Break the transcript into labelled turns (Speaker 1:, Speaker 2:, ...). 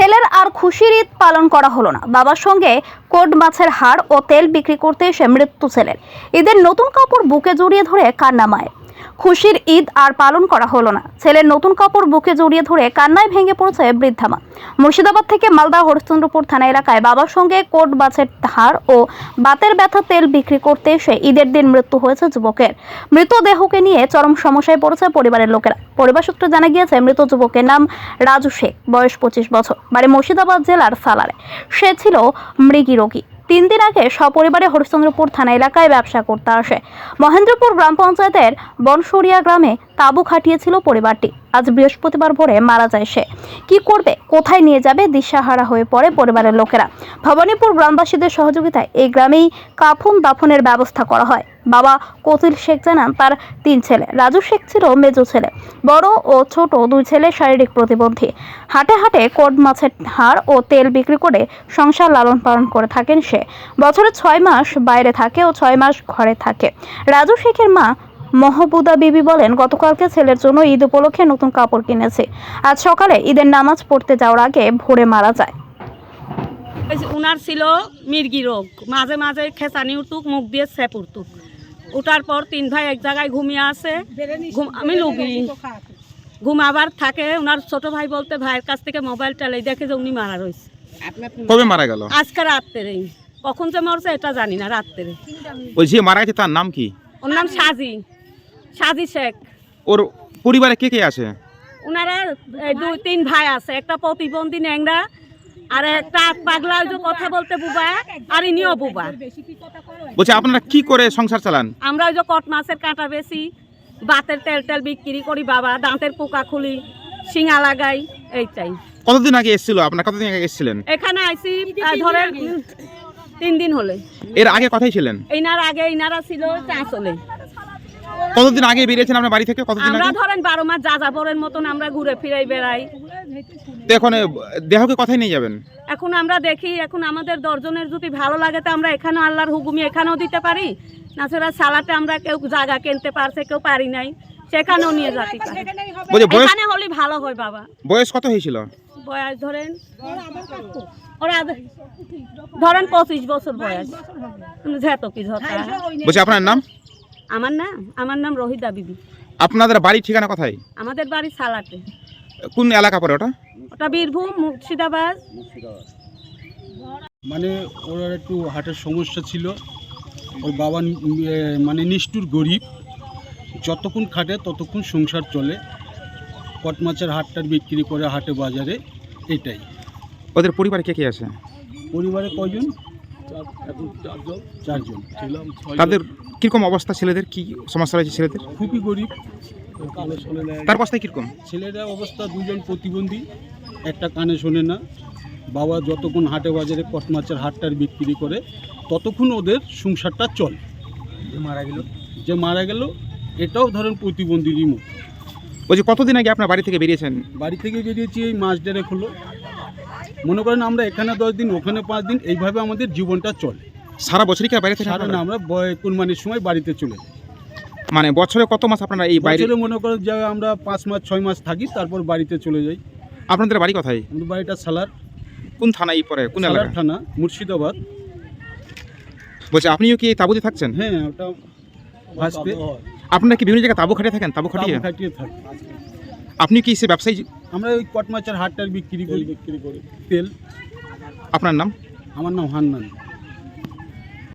Speaker 1: ছেলের আর খুশির ঈদ পালন করা হলো না। বাবার সঙ্গে কোড মাছের হাড় ও তেল বিক্রি করতে এসে মৃত্যু ছেলের। ঈদের নতুন কাপড় বুকে জড়িয়ে ধরে কান্না মায়ের। খুশির ঈদ আর পালন করা হলো না। ছেলের নতুন কাপড় বুকে জড়িয়ে ধরে কান্নায় ভেঙে পড়েছে বৃদ্ধা মা। মুর্শিদাবাদ থেকে মালদা হরিশ্চন্দ্রপুর থানা এলাকায় বাবার সঙ্গে কোড মাছের হাড় ও বাতের ব্যথা তেল বিক্রি করতে এসে ঈদের দিন মৃত্যু হয়েছে যুবকের। মৃতদেহকে নিয়ে চরম সমস্যায় পড়েছে পরিবারের লোকেরা। পরিবার সূত্রে জানা গিয়েছে মৃত যুবকের নাম রাজু শেখ, বয়স 25 বছর, বাড়ি মুর্শিদাবাদ জেলার সালারে। সে ছিল মৃগী রোগী। 3 দিন আগে সপরিবারে হরিশ্চন্দ্রপুর থানা এলাকায় ব্যবসা করতে আসে। মহেন্দ্রপুর গ্রাম পঞ্চায়েতের বনসরিয়া গ্রামে তাঁবু খাটিয়েছিল পরিবারটি। আজ বৃহস্পতিবার ভোরে মারা যায় সে। কি করবে, কোথায় নিয়ে যাবে, দিশাহারা হয়ে পড়ে পরিবারের লোকেরা। ভবানীপুর গ্রামবাসীদের সহযোগিতায় এই গ্রামেই কাফন দাফনের ব্যবস্থা করা হয়। বাবা কতিল শেখ জানান তার 3 ছেলে। রাজু শেখ ছিল মেজো ছেলে। বড় ও ছোট 2 ছেলে শারীরিক প্রতিবন্ধী। হাটে হাটে কোড মাছের হাড় ও তেল বিক্রি করে সংসার লালন পালন করে থাকেন সে। বছরে 6 মাস বাইরে থাকে ও 6 মাস ঘরে থাকে। রাজু শেখের মা মহবুদা বিবি বলেন, গতকালকে ছেলের জন্য ঈদ উপলক্ষে নতুন কাপড় কিনেছে। আজ সকালে ঈদের নামাজ পড়তে যাওয়ার আগে ভোরে মারা যায়।
Speaker 2: উনার ছিল মির্গি রোগ, মাঝে মাঝে খেসানি উঠুক, মুখ দিয়ে স্যাপ উঠুক। উঠার পর 3 ভাই এক জায়গায় ঘুমিয়ে আসে। আমি লুগি ঘুমাবার থাকে। ওনার ছোট ভাই বলতে ভাইয়ের কাছ থেকে মোবাইল টালাই দেখে যে উনি মারা রয়েছে।
Speaker 3: কবে মারা গেল?
Speaker 2: আজকে রাত্রে। কখন যে মরছে এটা জানি না। রাত্রে।
Speaker 3: ওই যে মারা গেছে তার নাম কি?
Speaker 2: ওর নাম সাজি শেখ।
Speaker 3: ওর পরিবারে কে কে আছে?
Speaker 2: ওনারা 2-3 ভাই আছে। একটা প্রতিবন্ধী ন্যাংরা, আর একটা পাগলা, ওই যে কথা বলতে বুবা, আর ইনিও বুবা।
Speaker 3: বলছে আপনারা কি করে সংসার চালান?
Speaker 2: আমরা ওই যে কট মাছের কাঁটা বেশি, বাতের তেল টেল বিক্রি করি বাবা, দাঁতের পোকা খুলি, শিঙা লাগাই, এইটাই।
Speaker 3: কতদিন আগে এসেছিল? আপনারা কতদিন আগে এসেছিলেন?
Speaker 2: এখানে আইসি ধরেন 3 দিন হলে।
Speaker 3: এর আগে কোথায় ছিলেন?
Speaker 2: এইনার আগে ইনারা ছিল চাঁচলে।
Speaker 3: কতদিন আগে বেরিয়েছেন আপনার বাড়ি থেকে? কতদিন
Speaker 2: আমরা
Speaker 3: আগে?
Speaker 2: ধরেন 12 মাস যাযাবরের মতন আমরা ঘুরে ফিরে বেড়াই।
Speaker 3: তো এখন দেহকে কোথায় নিয়ে যাবেন?
Speaker 2: এখন আমরা দেখি, এখন আমাদের 10 জনের যদি ভালো লাগে তো আমরা এখানেও আল্লাহর হুকুমে এখানেও দিতে পারি। নাছাড়া সালাতে আমরা কেউ জায়গা কিনতে পারছে, কেউ পারি নাই, সেখানেও নিয়ে যেতে পারি। এখানে হলে ভালো হয় বাবা।
Speaker 3: বয়স কত হয়েছিল?
Speaker 2: বয়স ধরেন ধরেন 25 বছর বয়স।
Speaker 3: বলছে আপনার নাম?
Speaker 2: আমার নাম রহিদা বিবি।
Speaker 3: আপনাদের বাড়ি ঠিকানা কোথায়?
Speaker 2: আমাদের বাড়ি সালাতে।
Speaker 3: কোন এলাকা পড়ে ওটা?
Speaker 2: ওটা বীরভূম, মুর্শিদাবাদ।
Speaker 4: মানে ওর একটু হার্টের সমস্যা ছিল। ওর বাবা মানে নিষ্ঠুর গরিব, যতক্ষণ খাটে ততক্ষণ সংসার চলে। কট মাছের হাটটার বিক্রি করে হাটে বাজারে, এটাই।
Speaker 3: ওদের পরিবারে কে কে আছে?
Speaker 4: পরিবারে কয়জন? 4 জন।
Speaker 3: তাদের কিরকম অবস্থা? ছেলেদের কি সমস্যা রয়েছে? ছেলেদের
Speaker 4: খুবই গরিব।
Speaker 3: তার অবস্থায় কিরকম?
Speaker 4: ছেলেরা অবস্থা 2 জন প্রতিবন্ধী, একটা কানে শোনে না। বাবা যতক্ষণ হাটে বাজারে কট মাছের হাটটার বিক্রি করে ততক্ষণ ওদের সংসারটা চলে। যে মারা গেল এটাও ধরেন প্রতিবন্ধীরই মুখ।
Speaker 3: বলছি কতদিন আগে আপনার বাড়ি থেকে বেরিয়েছেন?
Speaker 4: বাড়ি থেকে বেরিয়েছি এই মাস দেড়েক হলো। মনে করেন আমরা এখানে 10 দিন, ওখানে 5 দিন, এইভাবে আমাদের জীবনটা চলে।
Speaker 3: সারা বছরই কি বাইরে থেকে?
Speaker 4: সারা না, আমরা কুরবানির সময় বাড়িতে চলে যাই।
Speaker 3: মানে বছরে কত মাস আপনারা এই বাইরে?
Speaker 4: বছরে মনে করেন যে আমরা 5 মাস 6 মাস থাকি, তারপর বাড়িতে চলে যাই।
Speaker 3: আপনাদের বাড়ি কোথায়?
Speaker 4: আমাদের বাড়িটা সালার।
Speaker 3: কোন থানায় পড়ে? কোন
Speaker 4: সালার
Speaker 3: এলাকা?
Speaker 4: থানা, মুর্শিদাবাদ।
Speaker 3: বলছে আপনিও কি এই তাঁবুতে থাকছেন?
Speaker 4: হ্যাঁ, ওটা ভাসতে।
Speaker 3: আপনারা কি বিভিন্ন জায়গায় তাঁবু খাটিয়ে থাকেন? তাঁবু
Speaker 4: খাটিয়ে থাকি।
Speaker 3: আপনি কি সে ব্যবসায়ী?
Speaker 4: আমরা ওই কট মাছের হাটটার বিক্রি করি তেল।
Speaker 3: আপনার নাম?
Speaker 4: আমার নাম হান্নান।